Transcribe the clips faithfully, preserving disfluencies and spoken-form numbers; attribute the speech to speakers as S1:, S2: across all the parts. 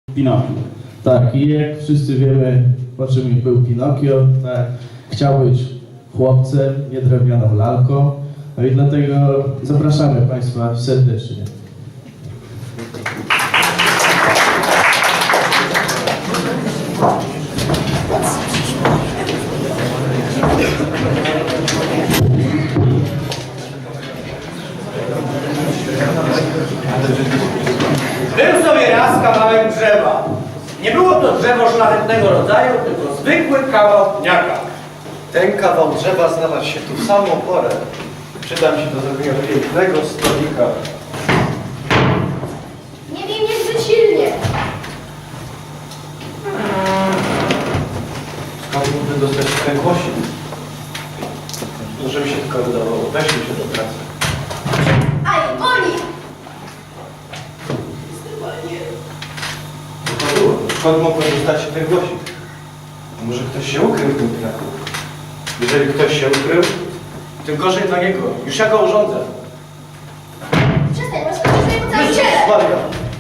S1: Pinokio. Tak, i jak wszyscy wiemy, po czym był Pinokio, tak, chciał być chłopcem, nie drewnianą lalką. No i dlatego zapraszamy Państwa serdecznie.
S2: Był sobie raz kawałek drzewa. Nie było to drzewo szlachetnego rodzaju, tylko zwykły kawał pniaka.
S3: Ten kawał drzewa znalazł się tu w samą porę. Przyda mi się do zrobienia pięknego stolika.
S4: Nie wiem niezbyt silnie.
S3: Skąd mógłby dostać ten głosik? Może mi się tylko wydawało. Weźmy się do pracy.
S4: Aj, boli!
S3: Co było? Skąd mógłby dostać się ten głosik? A może ktoś się ukrył w tym pniaku? Jeżeli ktoś się ukrył,
S2: Tym gorzej dla niego. Już ja go urządzę.
S4: Przestań, rozchodzisz mnie po całym ciele!
S3: Maria!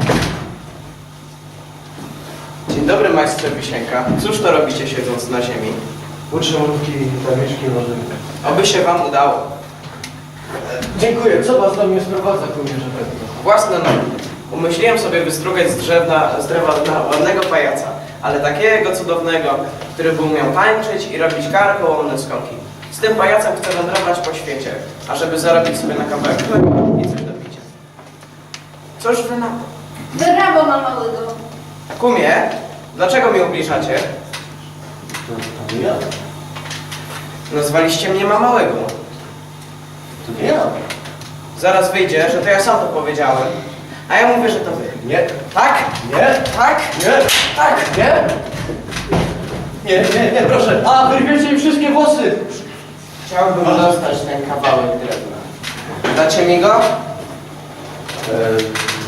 S5: Dzień dobry, majstrze Wisienka. Cóż to robicie siedząc na ziemi?
S3: Uczę mrówki zamieszki nożyny.
S5: Oby się wam udało.
S3: Dziękuję. Co was do mnie sprowadza, kumierze Petro?
S5: Własne nogi. Umyśliłem sobie wystrugać z, drzewna, z drewa na ładnego pajaca, ale takiego cudownego, który by umiał tańczyć i robić karkołomne skoki. Z tym pajacem chcę wędrować po świecie, ażeby zarobić sobie na kawałek chleba i coś do picia. Cóż wy na to?
S4: Brawo, ma małego.
S5: Kumie, dlaczego mi ubliżacie?
S3: To, to nie ja.
S5: Nazwaliście mnie mamałego.
S3: To nie ja.
S5: Zaraz wyjdzie, że to ja sam to powiedziałem. A ja mówię, że to wy.
S3: Nie.
S5: Tak?
S3: Nie.
S5: Tak?
S3: Nie.
S5: Tak!
S3: Nie. Nie, nie, nie, proszę. A, wyrwiecie mi wszystkie włosy.
S5: Chciałbym dostać ten kawałek drewna. Dacie mi go?
S3: Eee,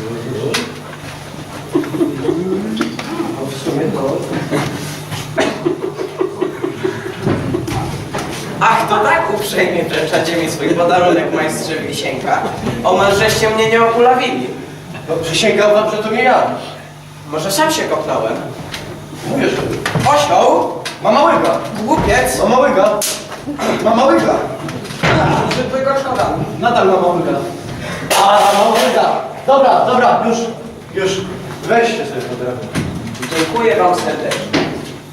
S3: no w sumie to...
S5: Ach, to tak uprzejmie wręczacie mi swój podarunek, majstrze Wisienka. Omal żeście mnie nie okulawili.
S3: No, przysięgam wam, że to nie ja.
S5: Może sam się kopnąłem?
S3: Mówię, że...
S5: Osioł?
S3: Mama łyga.
S5: Głupiec?
S3: Mama łyga. Mama łyga.
S5: Zwykłego szkoda.
S3: Nadal mama łyga. A, mama łyga. Dobra, dobra, już, już. Weźcie sobie to drewno.
S5: Dziękuję wam serdecznie.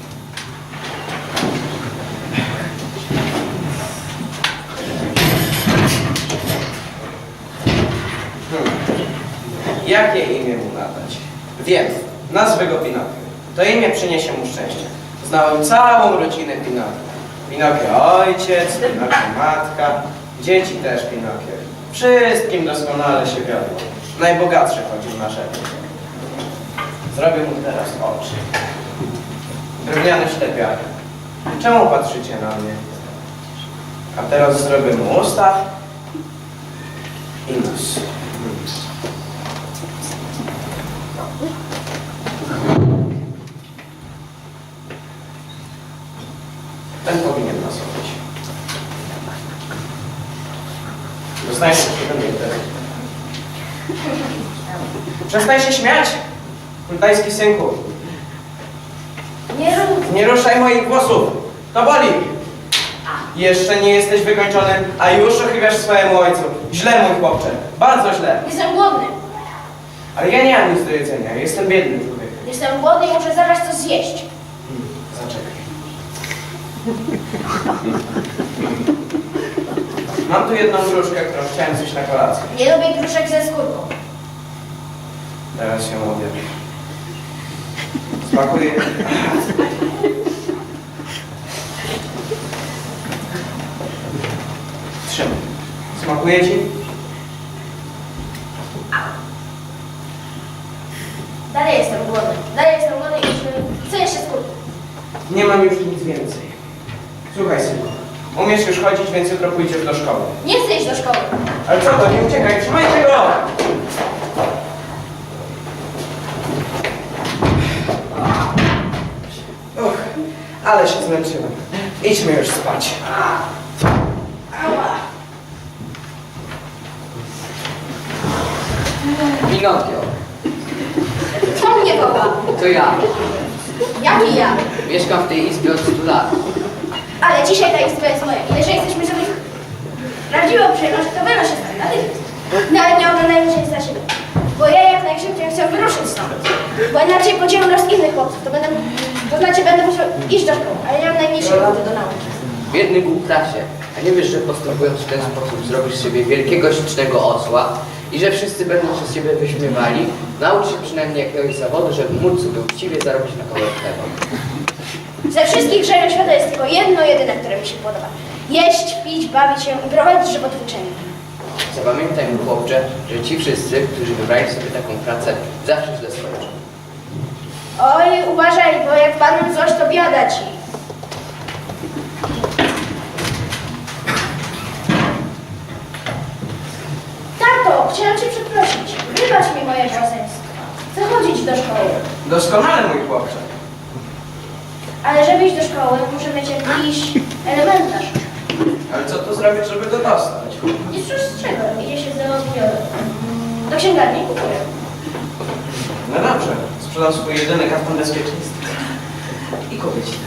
S5: Hmm. Jakie imię mu nadać? Wiem, nazwę go Pinokio. To imię przyniesie mu szczęście. Znałem całą rodzinę Pinokio. Pinokio ojciec, Pinokio matka, dzieci też Pinokio. Wszystkim doskonale się wiodło. Najbogatszy chodził na rzekę. Zrobię mu teraz oczy. Drewniane ślepiary. Czemu patrzycie na mnie? A teraz zrobię mu usta i nos. Ten powinien nasować. Dostajesz się do mnie teraz. Przestań się śmiać, kultajski synku.
S4: Nie rób.
S5: Nie ruszaj moich włosów. To boli. Jeszcze nie jesteś wykończony, a już ochywiasz swojemu ojcu. Źle, mój chłopcze. Bardzo źle.
S4: Jestem głodny.
S5: Ale ja nie mam nic do jedzenia. Jestem biednym człowiekiem.
S4: Jestem głodny i muszę zaraz coś zjeść.
S5: Hmm, zaczekaj. Mam tu jedną gruszkę, którą chciałem zjeść na kolację.
S4: Nie lubię gruszek ze skórką.
S5: Teraz ją odjadę. Smakuje. Trzymaj. Smakuje ci?
S4: Dalej jestem głodny. Dalej jestem głodny i już chcę jeszcze skórki.
S5: Nie mam już nic więcej. Słuchaj, synku. Umiesz już chodzić, więc jutro pójdziesz do szkoły.
S4: Nie chcę iść do szkoły.
S5: Ale co to? Nie uciekaj, trzymajcie go! Uch, ale się zmęczyłem. Idźmy już spać.
S4: Ała.
S5: Pinokio.
S4: Co mnie woła?
S6: To ja.
S4: Jak i ja.
S6: Mieszkam w tej izbie od stu lat.
S4: Ale dzisiaj ta izba jest moja. I jeżeli chcesz mi zrobić prawdziwą przyjemność, to wynoszę stąd natychmiast. No ale nie oglądajmy się na siebie. Bo ja jak najszybciej chcę wyruszyć stąd. Bo inaczej podzielę los innych chłopców. To będę, to znaczy będę musiał iść do szkoły. Ale nie mam najmniejszej ochoty do nauki.
S6: Biedny głuptasie. A nie wiesz, że postępując w ten sposób zrobisz z siebie wielkiego, ślicznego osła i że wszyscy będą się z ciebie wyśmiewali? Naucz się przynajmniej jakiegoś zawodu, żeby móc sobie uczciwie zarobić na kawałek chleba.
S4: Ze wszystkich grzechów świata jest tylko jedno, jedyne, które mi się podoba. Jeść, pić, bawić się i prowadzić żywotwórczenie.
S6: Zapamiętaj, mój chłopcze, że ci wszyscy, którzy wybrali sobie taką pracę, zawsze źle skończą.
S4: Oj, uważaj, bo jak padną coś, to biada ci. Tato, chciałam cię przeprosić. Wybacz mi moje szaleństwo. Chcę chodzić do szkoły.
S5: Doskonale, mój chłopcze.
S4: Ale żeby iść do szkoły, muszę mieć jakiś elementarz.
S5: Ale co tu zrobić, żeby go dostać?
S4: Nic z czego. Idzie się do, do księgarni i kupuję.
S5: No dobrze, sprzedam swój jedyny karton bezpieczeństwa. I kupię ci.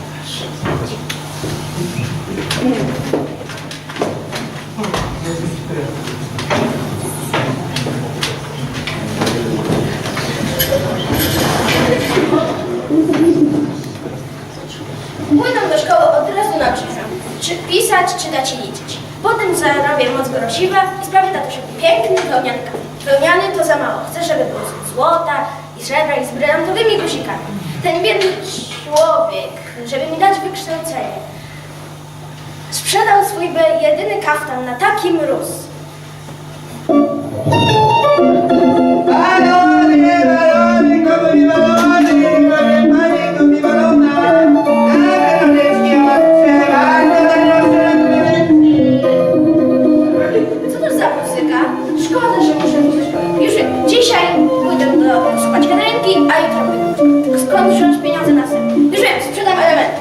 S4: Pójdę do szkoły od razu nauczyć się, czy pisać, czytać i liczyć. Potem zarobię moc grosiwa i sprawię tatusiowi piękny wełnianka. Wełniany to za mało. Chcę, żeby był z złota i srebra i z brylantowymi guzikami. Ten biedny człowiek, żeby mi dać wykształcenie, sprzedał swój be- jedyny kaftan na taki mróz.
S2: Balony, balony, komu balony, komu pani, komu balona. A wreszcie odczewa,
S4: Co to za muzyka? Szkoda, że muszę iść do szkoły. Już wiem, dzisiaj pójdę do słuchać Katarynki, a jutro pójdę. Skąd wziąć pieniądze na sen? Już wiem, sprzedam element.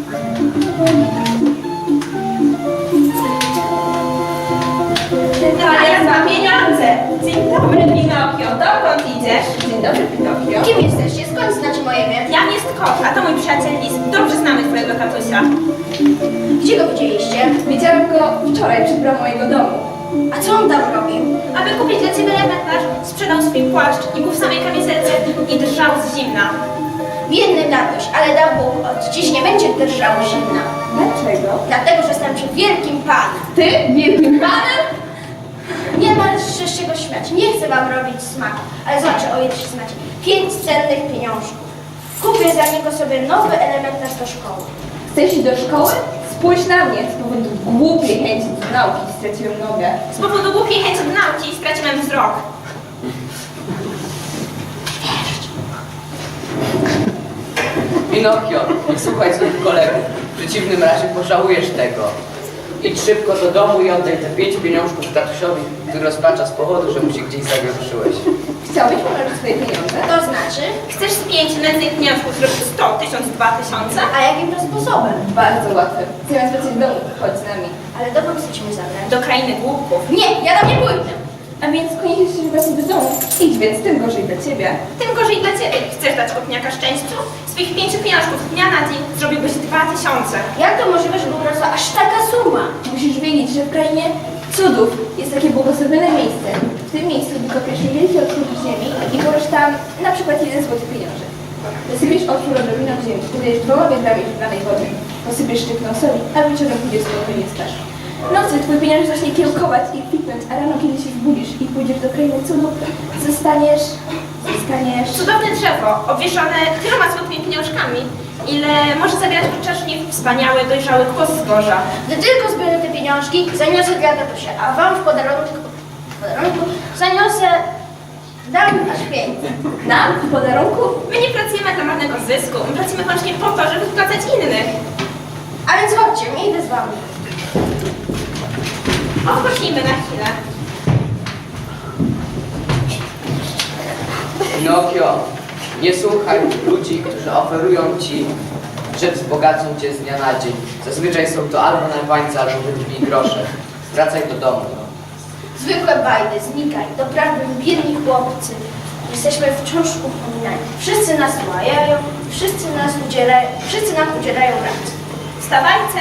S7: To ja mam pieniądze. Dzień dobry, Pinokio. Dokąd idziesz? Dzień dobry, Pinokio.
S4: Kim jesteście? Skąd znacie moje imię?
S7: Jan jest kot, a to mój przyjaciel Lis. Dobrze znamy twojego tatusia.
S4: Gdzie go widzieliście?
S7: Widziałam go wczoraj przed bramą mojego domu.
S4: A co on tam robił?
S7: Aby kupić dla ciebie elementarz, sprzedał swój płaszcz i był w samej kamizelce i drżał z zimna.
S4: Biedny tatuś, ale dał Bóg, od dziś nie będzie drżał zimna.
S7: Dlaczego?
S4: Dlatego, że jestem przed wielkim panem.
S7: Ty? Wielkim panem?
S4: Nie ma się z czego śmiać. Nie chcę wam robić smaku, ale zobaczę, o ile się znacie. Pięć cennych pieniążków. Kupię za niego sobie nowy elementarz do szkoły.
S8: Chcesz iść do szkoły? Spójrz na mnie, z powodu głupiej chęci do nauki straciłem nogę.
S7: Z powodu głupiej chęci do nauki straciłem wzrok.
S6: Pinokio, nie słuchaj swoich kolegów. W przeciwnym razie pożałujesz tego. Idź szybko do domu i oddaj te pięć pieniążków tatusiowi, który rozpacza z powodu, że mu się gdzieś zawieruszyłeś.
S8: Chciałbyś pomnożyć swoje pieniądze?
S4: To znaczy?
S7: Chcesz z pięć nędznych pieniążków zrobić sto, tysiąc, dwa tysiące?
S4: A jakim to sposobem?
S8: Bardzo łatwe. Zamiast wracać do domu, chodź z nami.
S4: Ale dokąd chcecie mnie zabrać?
S7: Do krainy głupków.
S4: Nie, ja tam nie pójdę.
S8: A więc koniecznie chcesz wracać do domu. Idź więc, tym gorzej dla ciebie.
S7: Tym gorzej dla ciebie. Chcesz dać kopniaka szczęściu? Z twoich pięciu pieniążków z dnia na dzień zrobiłbyś dwa tysiące.
S4: Jak to możliwe, żeby urosła aż taka suma?
S8: Musisz wiedzieć, że w krainie cudów jest takie błogosławione miejsce. W tym miejscu wykopiesz niewielki otwór w ziemi i położysz tam na przykład jeden złoty pieniążek. Zasypiesz otwór odrobiną w ziemi, wydajesz dwoma wiadrami wybranej wody. Posypiesz sztywną soli, a wieczorem pójdziesz spokojnie spać. W nocy twój pieniądz zacznie kiełkować i kwitnąć, a rano, kiedy się zbudzisz i pójdziesz do krainy cudów, zostaniesz, zostaniesz...
S7: Cudowne drzewo, obwieszone tyloma złotymi pieniążkami, ile może zabierać podczas nich wspaniały, dojrzały kłos zboża.
S4: Gdy tylko zbiorę te pieniążki, zaniosę dla tatusia, a wam w podarunku, w podarunku zaniosę, dam aż pięćset.
S8: Nam w podarunku?
S7: My nie pracujemy dla marnego zysku, my pracujemy wyłącznie po to, żeby wypłacać innych.
S4: A więc chodźcie, nie idę z wami.
S7: Odpocznijmy na chwilę.
S6: Pinokio, nie słuchaj ludzi, którzy oferują ci, że wzbogacą cię z dnia na dzień. Zazwyczaj są to albo najwańcy, albo wydni grosze. Wracaj do domu.
S4: Zwykłe bajdy, znikaj, doprawdy biedni chłopcy. Jesteśmy wciąż upominani. Wszyscy nas łajają, wszyscy nas udzielają, wszyscy nam udzielają rad.
S7: Wstawajcie.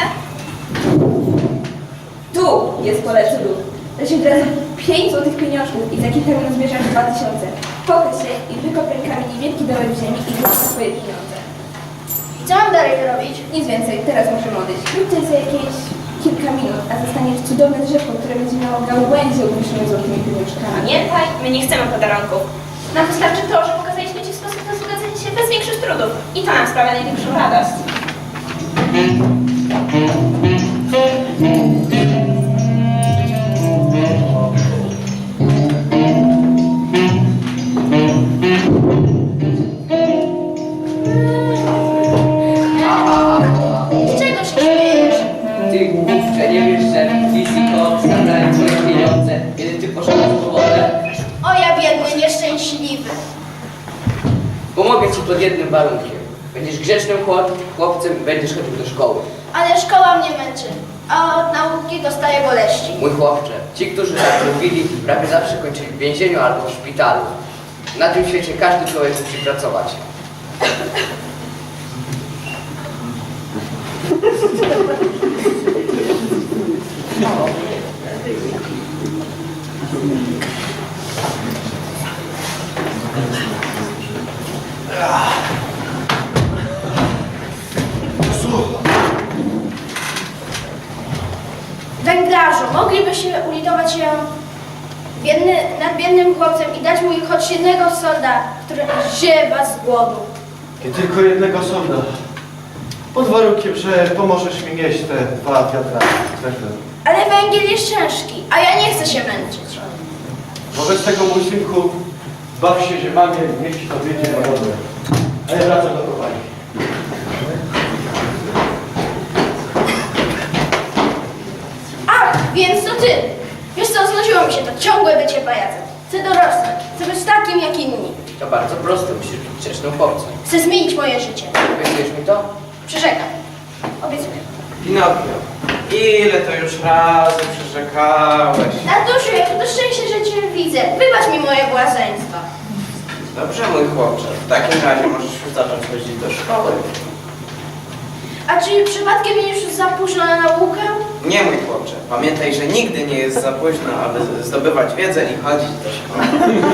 S8: Tu jest pole cudów. Weź od razu pięć złotych pieniążków i za kilka minut zbierzesz dwa tysiące. Pochyl się i wykop rękami niewielki dołek w ziemi i wrzuć swoje pieniądze.
S4: I co mam dalej robić?
S8: Nic więcej, teraz możemy odejść. Lub to jest za jakieś kilka minut, a zostaniesz cudowne drzewko, które będzie miało gałęzie umieszczone złotymi pieniążkami.
S7: Pamiętaj, my nie chcemy podarunków. Nam wystarczy to, że pokazaliśmy Ci sposób na zgadzanie się bez większych trudów. I to nam sprawia największą radość.
S4: Z czego się śmiejesz?
S6: Ty głupcze, nie wiesz, że Liz i Kot zabrali twoje pieniądze, kiedy ty poszedłeś w wodę?
S4: O ja biedny, nieszczęśliwy.
S6: Pomogę ci pod jednym warunkiem. Będziesz grzecznym chłop- chłopcem i będziesz chodził do szkoły.
S4: Ale szkoła mnie męczy, a od nauki dostaję boleści.
S6: Mój chłopcze, ci, którzy tak robili, prawie zawsze kończyli w więzieniu albo w szpitalu. Na tym świecie każdy człowiek musi pracować.
S4: Węglarzu, mogliby się ulitować się biedny, nad biednym chłopcem i dać mu choć jednego solda, który ziewa z głodu.
S3: I tylko jednego sonda. Pod warunkiem, że pomożesz mi nieść te dwa wiatraki.
S4: Ale węgiel jest ciężki, a ja nie chcę się męczyć.
S3: Wobec tego, mój synku, baw się ziemami, niech ci to wiedzie na wodę. A ja wracam do kopalni.
S4: Ach, więc to ty! Wiesz co, znudziło mi się to ciągłe bycie pajacem. Chcę dorosnąć, chcę być takim jak inni.
S6: To bardzo proste, musisz być grzecznym chłopcem.
S4: Chcę zmienić moje życie.
S6: Obiecujesz mi to?
S4: Przyrzekam. Obiecuję.
S5: Pinokio, ile to już razy przyrzekałeś?
S4: Tatusiu, jakie to szczęście, że cię widzę. Wybacz mi moje błazeństwa.
S5: Dobrze, mój chłopcze, w takim razie możesz już zacząć chodzić do szkoły.
S4: A czy przypadkiem już za późno na naukę?
S5: Nie, mój chłopcze, pamiętaj, że nigdy nie jest za późno, aby zdobywać wiedzę i chodzić do szkoły.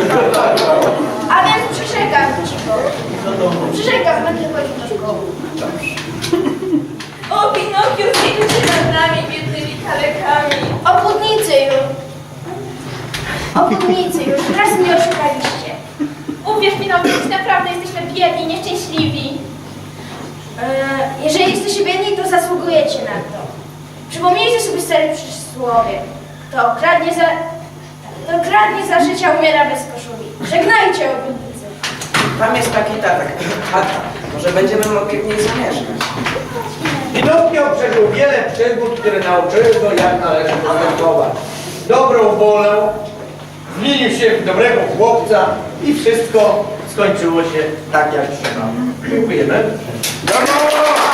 S4: A więc przyrzekam ci go. Przyrzekam, będę chodził do szkoły.
S5: Dobrze.
S7: O, Pinokio, zjedź się nad nami, biednymi kalekami.
S4: Obudnicy już. Obudnicy już. Raz mnie oszukaliście.
S7: Uwierz, Pinokio, że naprawdę jesteśmy biedni, nieszczęśliwi.
S4: Eee, jeżeli jesteście biedni, to zasługujecie na to. Przypomnijcie sobie stare przysłowie. To kradnie za... To kradnie za życia, umiera bez koszuli. Żegnajcie, obudnicy.
S5: Tam jest taki tatek, tata. Może będziemy mogli w niej zamieszkać.
S2: Pinokio przeżył wiele przygód, które nauczyły go, jak należy postępować. Dobrą wolę, zmienił się w dobrego chłopca i wszystko skończyło się tak, jak trzeba. Dziękujemy. Brawo!